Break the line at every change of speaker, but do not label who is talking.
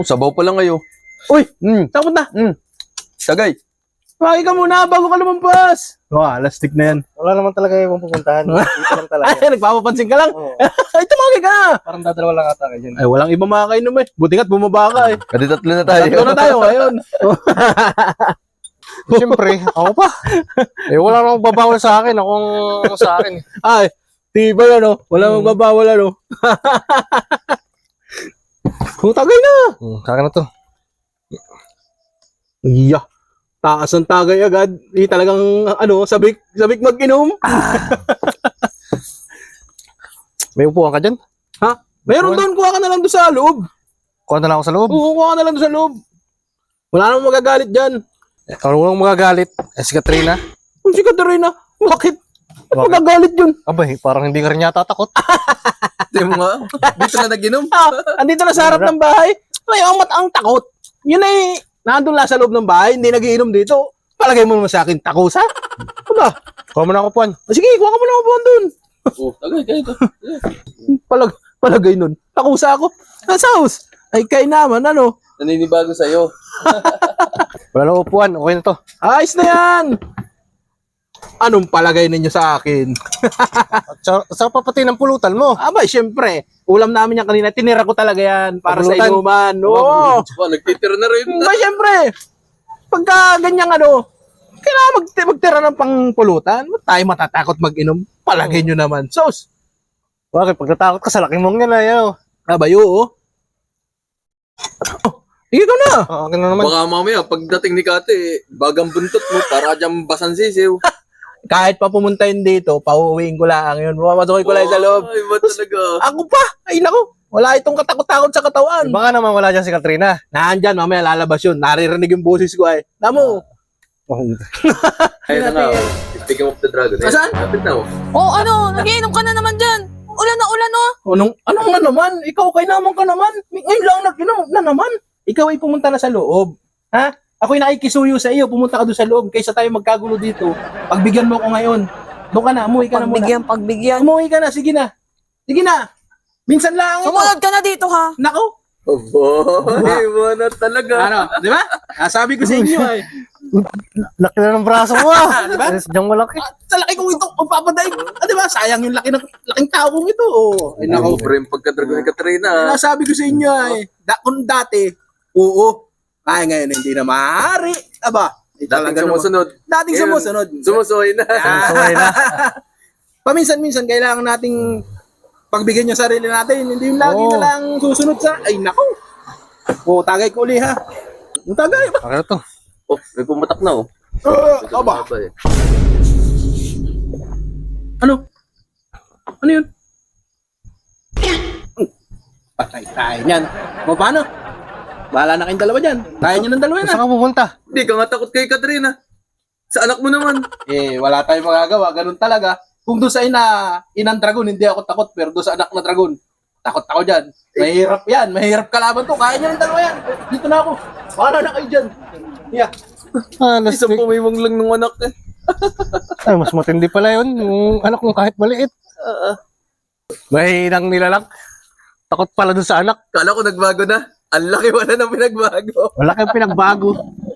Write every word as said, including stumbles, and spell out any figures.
Sabaw pa lang kayo.
Uy!
Hmm.
Saan punta?
Hmm. Tagay.
Maki ka muna bago ka lumampas. Wah, lastik na yan.
Wala naman talaga yung pupuntahan. Dito lang talaga.
Ay, nagpapapansin ka lang.
Oo.
Ay, tumaki ka na.
Parang dadalawa lang ata kayo dyan.
Ay, walang iba makakainom eh. Buti nga't bumaba ka eh.
Kadi tatlo na tayo.
Tatlo na tayo ngayon.
Siyempre, ako pa. Eh, wala namang babawal sa akin. Ako ang sa akin.
Ay, tibay ano. Walang magbabawal ano. Kung tagay na.
Hmm, sa akin na to.
Yeah. Taas ang tagay agad. Di talagang ano, sabik, sabik mag-inom.
May upuan ka dyan?
Ha? Meron doon, kuha ka na lang doon sa loob.
Kuha na lang ako sa loob.
Oo, kuha ka na lang doon sa loob. Wala namang magagalit dyan.
Eh, ano lang magagalit? Eh, si Katrina.
Kung si Katerina, bakit?
Bakit?
Magagalit yun.
Abay, parang hindi ka rin yata takot.
Di mo nga. Dito na nag-inom.
Ah, andito na sa harap ng bahay. Ay, ang mat ang takot. Yun ay, nandun lang sa loob ng bahay, hindi nagiinom dito. Palagay mo naman sa akin, takusa? Ano?
Kuha mo na ako upuan.
Ah, sige, kuha ka mo na upuan dun.
Oh, tagay, kayo to.
Palag, palagay nun. Takusa ako. Nasa house. Ay, kay naman, ano?
Naninibago sa'yo.
Wala na upuan. Okay na to.
Ayos na yan. Anong palagay ninyo sa akin?
At sa, sa papati ng pulutan mo.
Aba, syempre. Ulam namin yan kanina. Tinira ko talaga yan para sa
Pulutan.
inuman. Oo.
Oh, nagtitira na rin.
Ba, syempre. Pagka ganyang ano, kailangan mag magtira ng pangpulutan. Ba't tayo matatakot mag-inom? Palagay nyo naman. Sos.
Bakit? Pag natakot ka sa laki mong yan, ayaw.
Abayo, oh. Oh, ikaw na.
Oo, okay na naman.
Baka mamaya, pagdating ni Kate, bagang buntot mo, para dyan basan sisiw.
Kahit pa pumunta yun dito, pauwiin ko lang yun. Mamasukin ko lang sa loob.
Ay, ba talaga?
Ako pa. Ay, nako. Wala itong katakot-takot sa katawan.
Baka naman wala dyan si Katrina.
Nandyan, mamaya lalabas yun. Naririnig yung boses ko ay. Namo.
Ayun na nga. oh. Speaking of the dragon.
Saan?
Kapit na oh.
Oh, ano? Nagiinom ka na naman dyan. Ulan na ulan, oh.
Anong, anong na naman? Ikaw kay naman ka naman. Ngayon lang nag-inom na naman. Ikaw ay pumunta na sa loob. Ha? Ako'y nakikisuyo sa iyo. Pumunta ka doon sa loob. Kaysa tayo magkagulo dito. Pagbigyan mo ko ngayon. Doon ka na. Umuwi ka na muna.
Pagbigyan, pagbigyan.
Umuwi ka na. Sige na. Sige na. Minsan lang ito.
Sumunod ka na dito, ha?
Nako.
Boy, wala talaga.
Ano? Di ba? Ah, sabi ko sa inyo ay.
Laki na ng braso mo ah.
Diba?
Diyan malaki.
Ah, sa laki kong ito, magpapadaig. Ah, di ba? Sayang yung laki ng laking tao kong ito. Oh. Ay,
Nako,
nako.
bro, yung pagka-dragon ni Katrina. ah.
Sabi ko sa inyo ay, da, kung dati, oo. Kaya ngayon hindi na maaari. Aba, eh,
Dating
talaga naman.
sumusunod.
Dating
Ngayon,
sumusunod.
Sumusuhay na.
Suway na.
Paminsan-minsan, kailangan nating pagbigyan yung sarili natin. Hindi yung lagi
Oo.
na lang susunod sa, ay nako. O, tagay ko uli ha. Yung tagay ba?
Okay na to.
Oh, may pumatak na oh.
Uh,
Ito
aba,
ba eh.
ano? Ano yun? Patay tayo niyan. O, paano? Bahala na kayong dalawa dyan. Kaya nyo ng dalawa yan ha.
Saan ka pupunta?
Hindi ka nga takot kay Katrina. Sa anak mo naman.
Eh, wala tayong magagawa. Ganun talaga. Kung doon sa ina, inang dragon, hindi ako takot. Pero doon sa anak na dragon, takot ako dyan. Mahirap yan. Mahirap kalaban to. Kaya nyo ng dalawa yan. Dito na ako. Paano na kayo dyan? Yeah.
Ah,
Isang
lastik.
pumiwang lang ng anak eh.
Ay, mas matindi pala yun. Yung anak mo kahit maliit. Mahinang nilalang. Takot pala dun sa anak.
Kala ko nagbago na. Ang laki wala na pinagbago.
Wala kang pinagbago.